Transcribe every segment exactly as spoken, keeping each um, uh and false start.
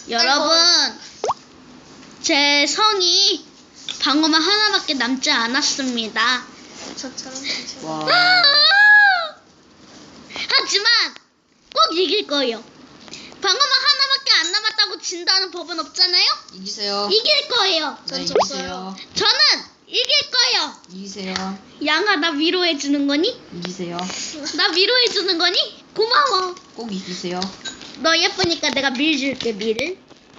여러분, 제 성이 방어만 하나밖에 남지 않았습니다. 저처럼 와. 하지만 꼭 이길 거예요. 방어만 하나밖에 안 남았다고 진다는 법은 없잖아요? 이기세요. 이길 거예요. 네, 전 이기세요. 저는 이길 거예요. 이기세요. 양아, 나 위로해 주는 거니? 이기세요. 나 위로해 주는 거니? 고마워. 꼭 이기세요. 너 예쁘니까 내가 밀 줄게, 밀을.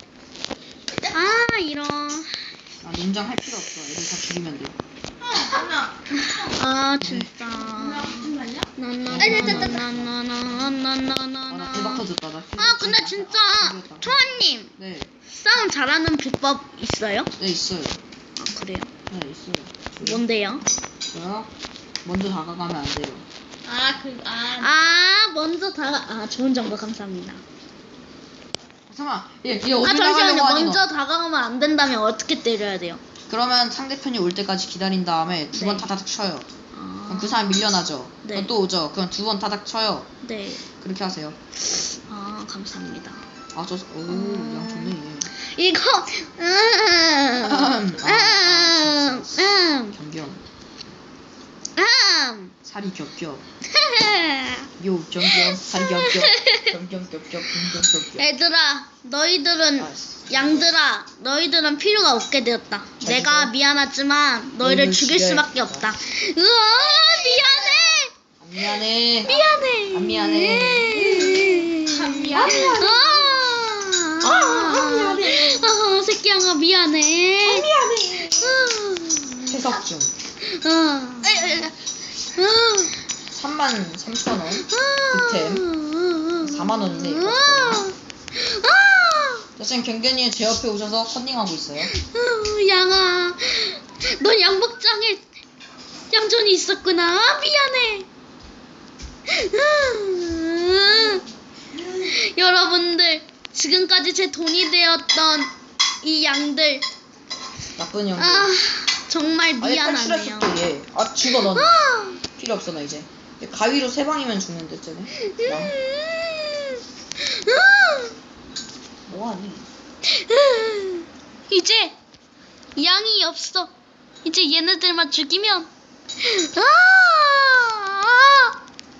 아, 이런. 아, 농장 할 필요 없어. 애들 다 죽이면 돼. 아, 진짜. 아, 나 나나나나나나나나나나나. 대박 터졌다. 나. 아, 근데 진짜 초아님 네. 싸움 잘하는 비법 있어요? 네, 있어요. 아, 그래요? 네, 있어요. 뭔데요? 저요? 먼저 다가가면 안 돼요. 아, 그, 아. 아, 먼저 다가. 아, 좋은 정보 감사합니다. 잠깐만. 얘, 얘 아, 어디 잠시만요. 나가려고 하니, 먼저 너? 다가가면 안 된다면 어떻게 때려야 돼요? 그러면 상대편이 올 때까지 기다린 다음에 두 번 네. 타닥 쳐요. 아, 그럼 그 사람 밀려나죠. 네. 그럼 또 오죠. 그럼 두 번 타닥 쳐요. 네. 그렇게 하세요. 아, 감사합니다. 아, 저, 오, 양 좋네, 얘. 이거, 음, 아, 음, 아, 음, 경경. 음. 살이 겹겹. 요, 경경. 살이 겹겹. 경경, 겹겹. 경경, 겹겹. 얘들아, 너희들은 아, 양들아, 너희들은 필요가 없게 되었다. 잘 내가 죽어. 미안하지만 너희를 너희를 죽일 죽여야 수밖에 했다. 없다. 으아, 안 미안해. 미안해. 안 미안해. 안 미안해. 아, 아, 미안해. 아, 새끼 양아 미안해. 미안해. 해석 중. 아, 아, 삼만 삼천 원. 아, 득템. 사만 원이네, 이거. 아, 자, 지금 경견이 제 옆에 오셔서 컨닝하고 있어요. 아, 양아, 넌 양복장에 양존이 있었구나. 아, 미안해. 아, 여러분들, 지금까지 제 돈이 되었던 이 양들, 나쁜 형들. 아, 정말 아예 탈출했어 미안하네요. 또 얘. 아 죽어 넌. 아, 필요 없어 너 이제. 얘 가위로 세 방이면 죽는데 쟤네. 양. 아, 뭐하니? 이제 양이 없어. 이제 얘네들만 죽이면. 아, 아,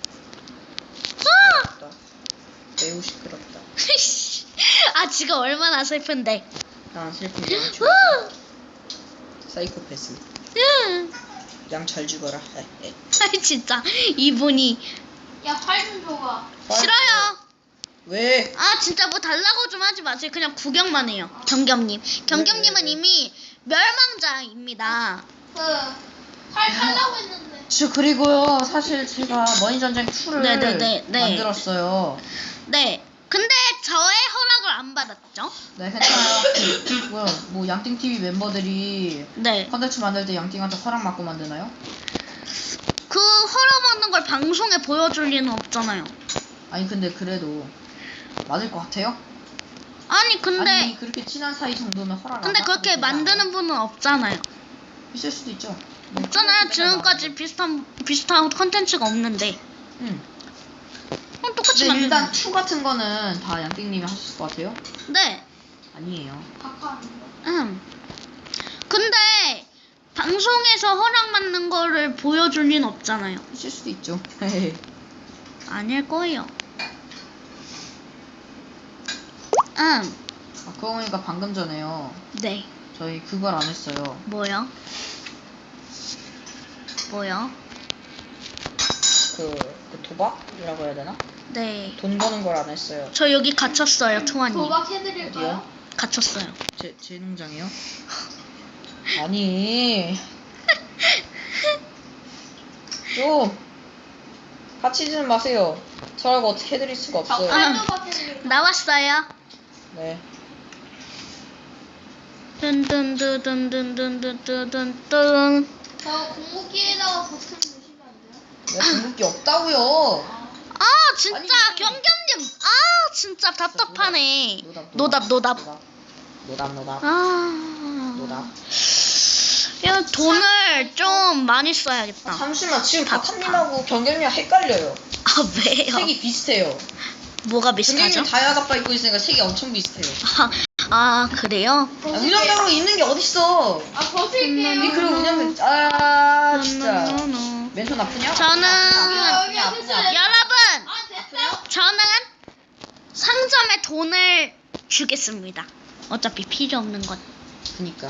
아. 시끄럽다. 매우 시끄럽다. 아, 지금 얼마나 슬픈데. 난 슬픈 양 죽어. 아, 사이코패스. 음. 양 잘 죽어라. 아, 진짜 이분이 야, 활 좀 줘봐. 싫어요. 왜? 아, 진짜 뭐 달라고 좀 하지 마세요. 그냥 구경만 해요. 경겸님. 경겸님은 네, 네, 네. 이미 멸망자입니다. 그, 활 살라고 했는데. 저 그리고요 사실 제가 머니전쟁 이를 네, 네, 네, 네. 만들었어요. 네. 근데 저의 허락을 안 받았죠? 네 괜찮아요. 뭐야 뭐 양띵티비 멤버들이 네. 컨텐츠 만들 때 양띵한테 허락 받고 만드나요? 그 허락받는 걸 방송에 보여줄 리는 없잖아요. 아니 근데 그래도 맞을 것 같아요? 아니 근데 아니 그렇게 친한 사이 정도면 허락 안 근데 받고 그렇게 되지 않아요? 만드는 분은 없잖아요. 있을 수도 있죠. 뭐 없잖아요. 컨텐츠 맨날 지금까지 비슷한 비슷한 컨텐츠가 없는데. 나오고. 응. 그럼 똑같이 근데 만드는. 일단 투 같은 거는 다 양띵님이 하실 것 같아요? 네. 아니에요. 바꿔. 음. 근데 방송에서 허락받는 거를 보여줄 리는 없잖아요. 있을 수도 있죠. 아닐 거예요. 음. 아 그거 보니까 방금 전에요. 네. 저희 그걸 안 했어요. 뭐요? 뭐요? 그, 그 도박이라고 해야 되나? 네. 돈 버는 걸 안 했어요. 저 여기 갇혔어요, 투아님. 도박해드릴까요? 어디요? 갇혔어요. 제, 제 농장이요? 아니. 좀 다치지는 마세요. 저라고 어떻게 해드릴 수가 없어요. 아. 도박해드릴까요? 나왔어요. 네. 든든든든든든든든든. 저 공무기에다가 버튼 보시면 안 돼요? 내가 궁극기 없다고요. 아, 진짜 아니. 경겸님. 아, 진짜 답답하네. 노답, 노답. 노답 노답. 아. 노답. 야, 돈을 좀 많이 써야겠다. 잠시만 지금 다타님하고 경견이랑 헷갈려요. 아, 왜요? 색이 비슷해요. 뭐가 비슷하죠? 정경님 다이아 갑바 입고 있으니까 색이 엄청 비슷해요. 아, 아 그래요? 아, 운영병으로 있는 게 어딨어? 아 벗을게요. 니 그리고 운영병 아 진짜 노노노노. 맨손 아프냐? 저는 아프냐? 아프냐? 아프냐? 여러분 아 됐어요? 저는 상점에 돈을 주겠습니다. 어차피 필요 없는 것. 그니까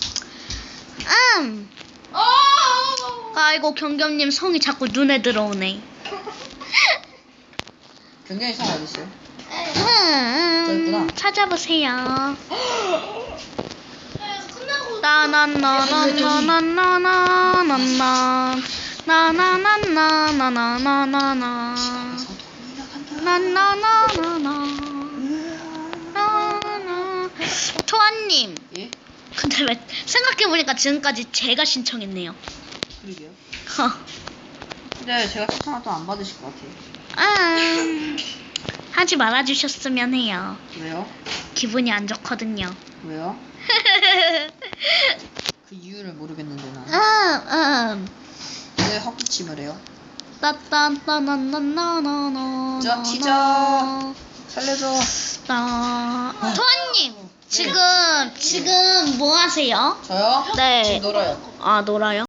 음. 어. 아이고 경겸님 성이 자꾸 눈에 들어오네. 경경이 성 어딨어요? 음, 저 있구나. 찾아보세요. 끝나고 나나나나나나나나나나 나나나나나나나나나 나나나나나 토아님, 예? 근데 왜 생각해보니까 지금까지 제가 신청했네요. 그러게요. 허. 근데 제가 추천해도 안 받으실 것 같아요. 아, 하지 말아주셨으면 해요. 왜요? 기분이 안 좋거든요. 왜요? 그 이유를 모르겠는데 음, 나는 음. 왜 헛기침을 해요? 따따따나나나나나. 저 티저 살려줘. 따. 토아님, 지금 지금 뭐 하세요? 저요? 네. 지금 놀아요. 아 놀아요?